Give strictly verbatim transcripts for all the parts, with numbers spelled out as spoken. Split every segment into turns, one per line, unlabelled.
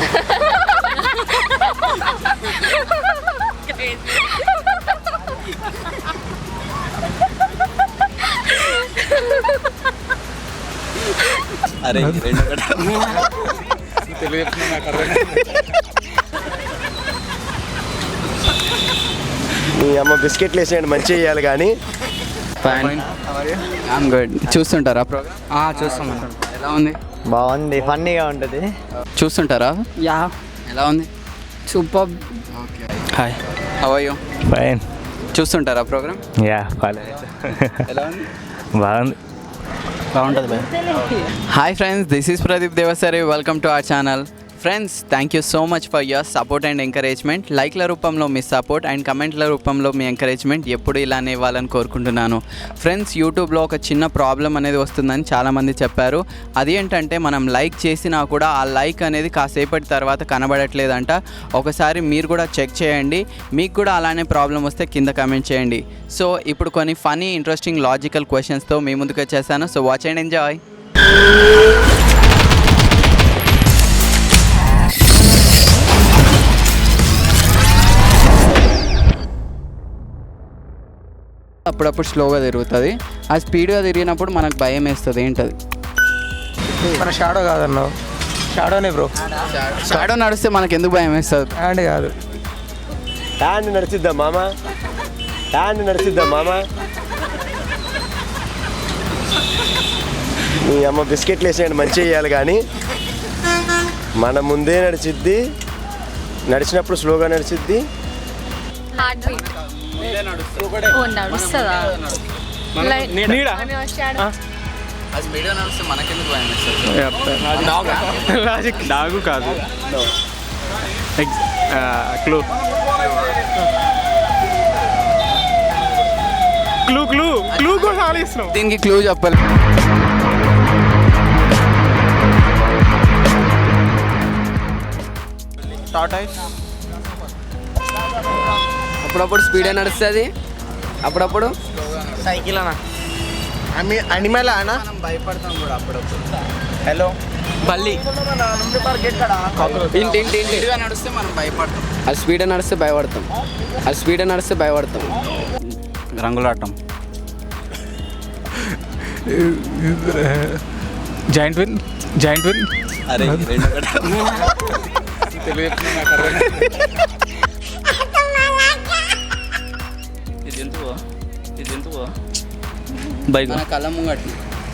అరే
మీ అమ్మ బిస్కెట్లు వేసేయండి మంచిగా చేయాలి కానీ.
I'm good. చూస్తుంటారా ప్రోగ్రామ్?
చూస్తాం.
ఎలా ఉంది?
బాగుంది, ఫన్నీగా ఉంటుంది.
చూస్తుంటారా?
యా.
ఎలా ఉంది?
Super.
Okay.
Hi,
how are you?
Fine.
చూస్తుంటారా ప్రోగ్రామ్?
యా పర్లేదు.
ఎలా ఉంది?
బాగుంది.
బాగుంటుంది bye.
Hi friends, this is Pradeep Devasari. Welcome to our channel. Friends, thank you so much for your support and encouragement. లైక్ల రూపంలో మీ సపోర్ట్ అండ్ కమెంట్ల రూపంలో మీ ఎంకరేజ్మెంట్ ఎప్పుడు ఇలానే ఇవ్వాలని కోరుకుంటున్నాను. ఫ్రెండ్స్, యూట్యూబ్లో ఒక చిన్న ప్రాబ్లం అనేది వస్తుందని చాలామంది చెప్పారు. అది ఏంటంటే మనం లైక్ చేసినా కూడా ఆ లైక్ అనేది కాసేపటి తర్వాత కనబడట్లేదంట. ఒకసారి మీరు కూడా చెక్ చేయండి. మీకు కూడా అలానే ప్రాబ్లం వస్తే కింద కమెంట్ చేయండి. సో ఇప్పుడు కొన్ని ఫనీ ఇంట్రెస్టింగ్ లాజికల్ క్వశ్చన్స్తో మీ ముందుకు వచ్చేసాను. So watch and enjoy. అప్పుడప్పుడు స్లోగా తిరుగుతుంది. ఆ స్పీడ్గా తిరిగినప్పుడు మనకు భయం వేస్తుంది. ఏంటది?
మన షాడో కాదన్నావు. షాడోనే బ్రో.
షాడో నడిస్తే మనకు ఎందుకు భయం వేస్తుంది?
హ్యాండ్ కాదు.
హ్యాండ్ నడిచిద్దా మామ? హ్యాండ్ నడిచిద్దా మామ? మీ అమ్మ బిస్కెట్లు వేసేయండి మంచిగా చేయాలి కానీ. మన ముందే నడిచిద్ది, నడిచినప్పుడు స్లోగా నడిచిద్ది.
హార్ట్ బీట్ నడుస్తుందా?
లాజిక్ డాగు కాదు. క్లూ క్లూ క్లూ క్లూ కూడా ఆలోచిస్తున్నాం.
దీనికి క్లూ చెప్పాలి.
టాటాయిస్.
అప్పుడప్పుడు స్పీడే నడుస్తుంది, అప్పుడప్పుడు
సైకిల్ అన్న. అనిమల్ అన్న.
మనం భయపడతాం కూడా అప్పుడప్పుడు.
హలో
బల్లి. ఇంటి ఇంటి ఇంటి
స్పీడ్గా నడిస్తే మనం భయపడతాం.
అది స్పీడే నడిస్తే భయపడతాం. అది స్పీడే నడిస్తే భయపడతాం.
రంగులాటం.
Joint win. Joint win.
అరే బైక్ మన కళ్ళ ముంగట్టు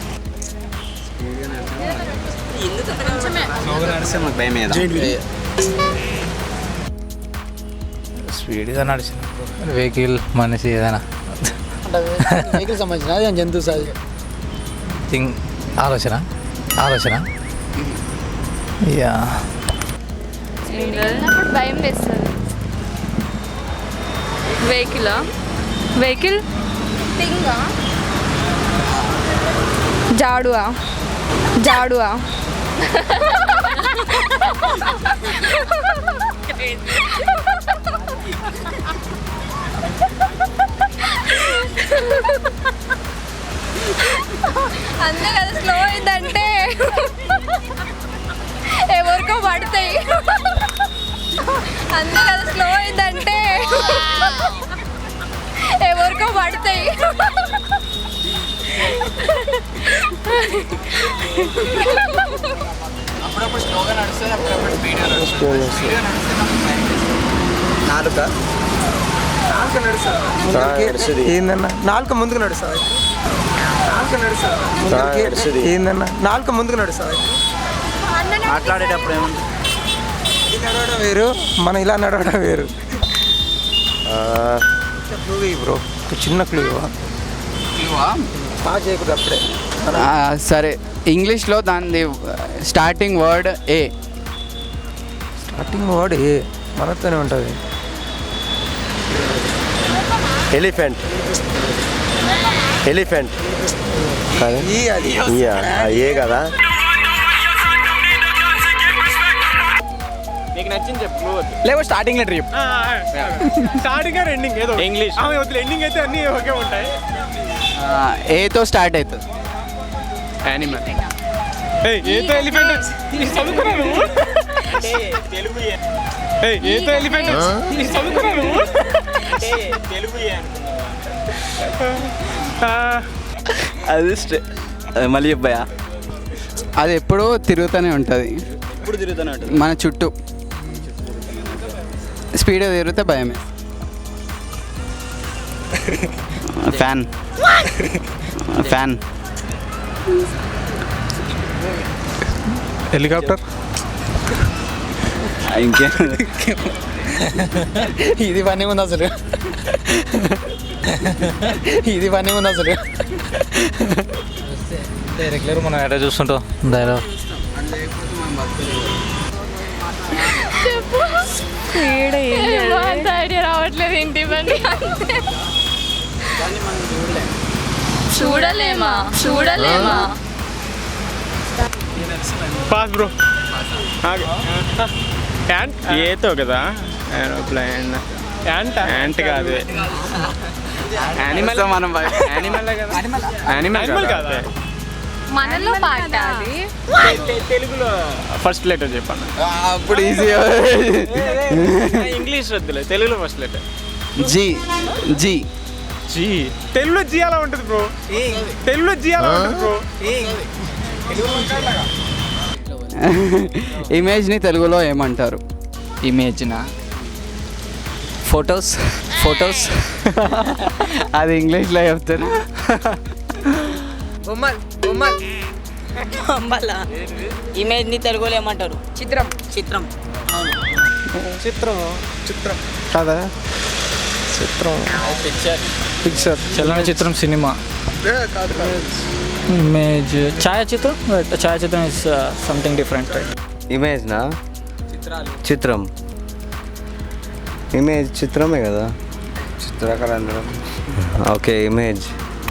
స్పీడ్గా నడిచిన వెహికల్ మనిషి ఏదైనా
వెహికల్ సంబంధించిన అది జంతువు సార్.
థింగ్ ఆలోచన ఆలోచన యా.
వెళ్ళినప్పుడు భయం వేస్తుంది. వెహికల్ వెహికల్ థింగా జాడువా జాడువా అంతే కదా. స్లో అయిందంటే ఎవరికో పడతాయి. అంతే కదా. స్లో అయిందంటే ఎవరికో పడతాయి.
అప్పుడప్పుడు స్లోగా నడుస్తుంది, అప్పుడప్పుడు స్పీడ్గా నడుస్తుంది.
నాలుక నాలుక నడుస్తుంది. ఏందన్నా నాలుక ముందుకు నడుస్తుంది. నాలుక నడుస్తుంది. ఏందన్నా నాలుక ముందుకు నడుస్తుంది.
మాట్లాడేటప్పుడు ఏమంటుంది?
ఇది నడవడం వేరు, మనం ఇలా నడవడం వేరు. క్లూ బ్రో, చిన్న క్లూ బాగా చేయకూడదు అప్పుడే.
సరే, ఇంగ్లీష్లో దాని starting word A.
Starting word A మనతోనే ఉంటుంది.
ఎలిఫెంట్. ఎలిఫెంట్
ఈ అది
ఏ కదా.
నీకు నచ్చింది చెప్పు.
లేకపోతే స్టార్టింగ్ లెటర్ చెప్పు.
స్టార్టింగ్ ఎండింగ్ ఏదో ఇంగ్లీష్. ఎండింగ్ అయితే అన్నీ ఒకే ఉంటాయి.
ఏతో స్టార్ట్ అవుతుంది.
యానిమల్. ఏతో ఎలిఫెంట్ చదువుకున్నాను. ఏతో ఎలిఫెంట్ చదువుకున్నాను
అది స్ట్రే మళ్ళీ చెప్పాయా?
అది ఎప్పుడూ తిరుగుతూనే ఉంటుంది
ఇప్పుడు తిరుగుతూనే ఉంటుంది.
మన చుట్టూ. స్పీడ్ తిరిగితే భయమే. ఫ్యాన్ ఫ్యాన్
హెలికాప్టర్
ఇంకే
ఇది పని ఉంది అసలు, ఇది పని ఉంది అసలు. రెగ్యులర్ మనం ఎక్కడ చూస్తుంటాం డైలాగ్.
ఐడియా రావట్లేదు ఏంటి ఇవన్నీ. చూడలేమా చూడలేమా
పాస్ బ్రో. యాంట్ ఏతో కదా ఏరోప్లేన్. యాంట్ యాంట్ కాదు, యానిమల్. మనం యానిమల్ కదా, యానిమల్ కాదా?
మనలో పాట అది.
తెలుగులో ఫస్ట్ లెటర్ చెప్పాను.
అప్పుడు ఈజీ.
ఇంగ్లీష్ వద్దులే, తెలుగులో first letter.
G G
G. తెలుగులో జీ అలా ఉంటుంది బ్రో, తెలుగులో జీ అలా ఉంటుంది బ్రో.
ఇమేజ్ని తెలుగులో ఏమంటారు?
ఇమేజ్నా? ఫొటోస్ ఫొటోస్
అది ఇంగ్లీష్లో చెప్తాను.
ఇమేజ్ ని తెలుగులో ఏమంటారు? చిత్రం. చిత్రం
చిత్రం చిత్రం కాదా? చిత్రం పిక్చర్ పిక్చర్
చలనచిత్రం సినిమా. ఇమేజ్ ఛాయాచిత్రం. ఛాయాచిత్రం ఇస్ సంథింగ్ డిఫరెంట్.
ఇమేజ్నా? చిత్రం. ఇమేజ్ చిత్రమే కదా, చిత్రకళ. Okay, image.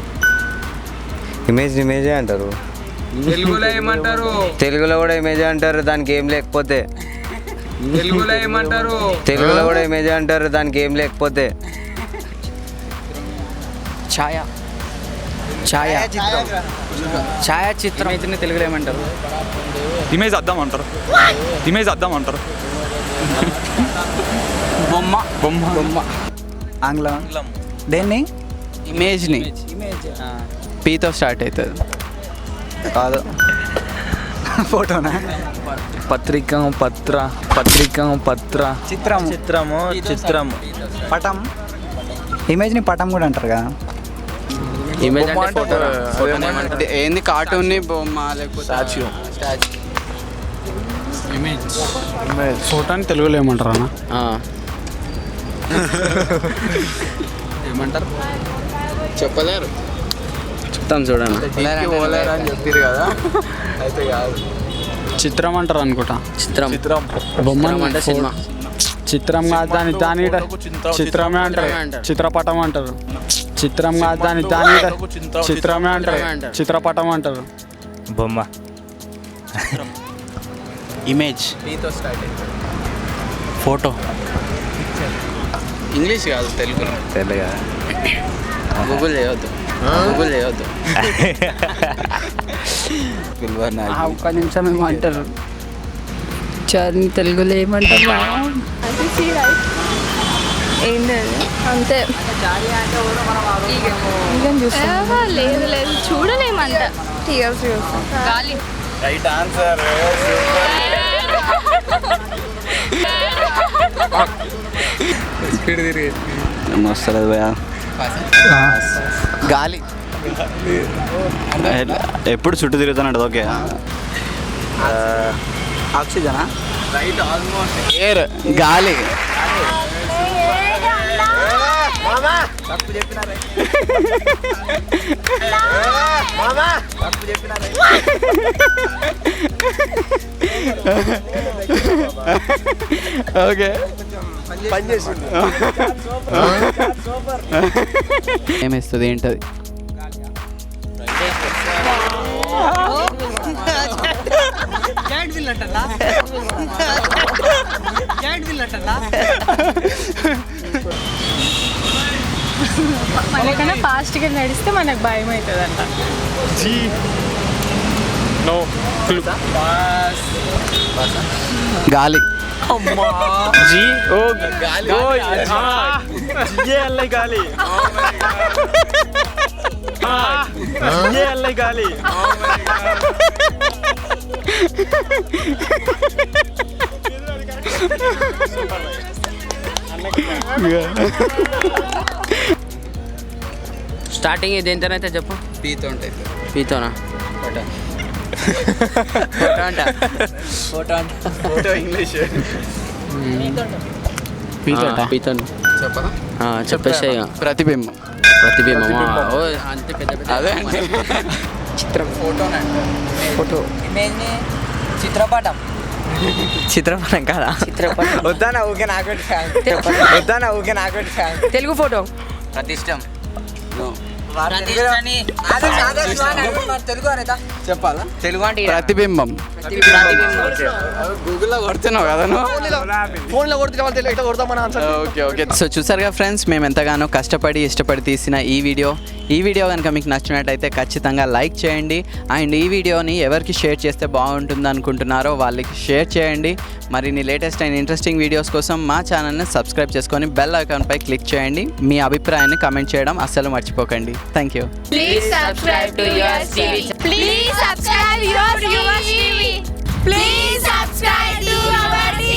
ఇమేజ్ ఇమేజే అంటారు.
తెలుగులో ఏమంటారు?
తెలుగులో కూడా ఇమేజే అంటారు దానికి ఏం లేకపోతే.
తెలుగులో ఏమంటారు?
తెలుగులో కూడా ఇమేజే అంటారు దానికి ఏం లేకపోతే.
ఛాయ ఛాయ ఛాయాచిత్రం. ఇమేజ్ని తెలుగులో ఏమంటారు?
ఇమేజ్ అద్దం అంటారు. ఇమేజ్ అద్దం అంటారు.
బొమ్మ.
బొమ్మ
బొమ్మ. ఆంగ్లం. దేన్ని?
ఇమేజ్ని పీతో స్టార్ట్ అవుతుంది.
కాదు,
ఫోటోనా?
పత్రిక పత్ర పత్రిక పత్ర
చిత్రం.
చిత్రము చిత్రము
పటం. ఇమేజ్ని పటం కూడా అంటారు కదా.
ఇమేజ్ అంటే ఫోటో. ఏంది కార్టూన్ని బొమ్మ లేకపోతే స్టాచ్యూ.
ఇమేజ్ ఫోటో అని తెలుగులో ఏమంటారు అన్న?
ఏమంటారు చెప్పలేరు.
చెప్తాం చూడండి.
అని చెప్పారు కదా, అయితే కాదు.
చిత్రం అంటారు అనుకుంటా.
చిత్రం.
బొమ్మ
అంటే సినిమా.
చిత్రం కాదు దాని దాని చిత్రమే అంటారు. చిత్రపటం అంటారు. చిత్రం కాదు దాని దాని చిత్రమే అంటారు. చిత్రపటం అంటారు.
బొమ్మ.
ఇమేజ్.
పీతో స్టార్ట్ అవుతుంది.
ఫోటో.
ఇంగ్లీష్ కాదు, తెలుగులో.
తెలుగా.
గూగుల్ చేయవద్దు, గూగుల్ చేయవద్దు.
ఒక్క నిమిషం ఏమో అంటారు.
చర్ని తెలుగులో ఏమంటారు? ఏంటది అంతే. లేదు లేదు చూడలేమంట. గాలి.
Right answer.
స్పీడ్ తిరిగి
వస్తుంది భయా.
గాలి.
ఎప్పుడు చుట్టూ తిరుగుతానంట. ఓకే,
ఆక్సిజనా?
Right, almost. ఎయిర్, గాలి.
తప్పు చెప్పినారా? తప్పు చెప్పినారా?
ఓకే,
పని చేసింది.
ఏమేస్తుంది ఏంటది?
మనకన్నా ఫాస్ట్గా నడిస్తే మనకు భయం అవుతుంది అంట.
G no clue.
గాలి.
జీ ఓ గాలి జీ ఎల్ గాలి జీ ఎల్ గాలి
స్టార్టింగ్ దేంతోనైతే చెప్పు.
పీతో ఉంటాయి.
పీతోనా?
ఫోటో అంట. ఫోటో అంట. Photo English.
పీతోట పీతో
చెప్పదా?
చెప్పేసి ఇక.
ప్రతిబింబం.
ప్రతిబింబమా? ఓ అంతే పెద్ద పెద్ద.
అదే అంటే
చిత్రం.
ఫోటోనంట.
ఫోటో.
ఇమేజ్ని చిత్రపటం.
చిత్రపటం కాదా? చిత్రపటం.
వద్దానా ఊకే నాకు వద్దానా ఊకే నాకు
తెలుగు ఫోటో.
ప్రతిష్టం.
తెలుగు అనేదా
చెప్పాలా?
తెలుగు అంటే
ప్రతిబింబం. గూగుల్లో కొడుతున్నావు కదా
ఫోన్లో కొడితే వాళ్ళు తెలియక కొడతామని ఆన్సర్.
ఓకే ఓకే సో చూసారుగా ఫ్రెండ్స్, మేము ఎంతగానో కష్టపడి ఇష్టపడి తీసిన ఈ వీడియో ఈ వీడియో కనుక మీకు నచ్చినట్టయితే ఖచ్చితంగా లైక్ చేయండి. అండ్ ఈ వీడియోని ఎవరికి షేర్ చేస్తే బాగుంటుంది అనుకుంటున్నారో వాళ్ళకి షేర్ చేయండి. మరిన్ని లేటెస్ట్ అండ్ ఇంట్రెస్టింగ్ వీడియోస్ కోసం మా ఛానల్ని సబ్స్క్రైబ్ చేసుకొని బెల్ ఐకాన్పై క్లిక్ చేయండి. మీ అభిప్రాయాన్ని కమెంట్ చేయడం అస్సలు మర్చిపోకండి. Thank you.
Please subscribe to Yours T V. Please subscribe Yours T V. Please subscribe to our T V.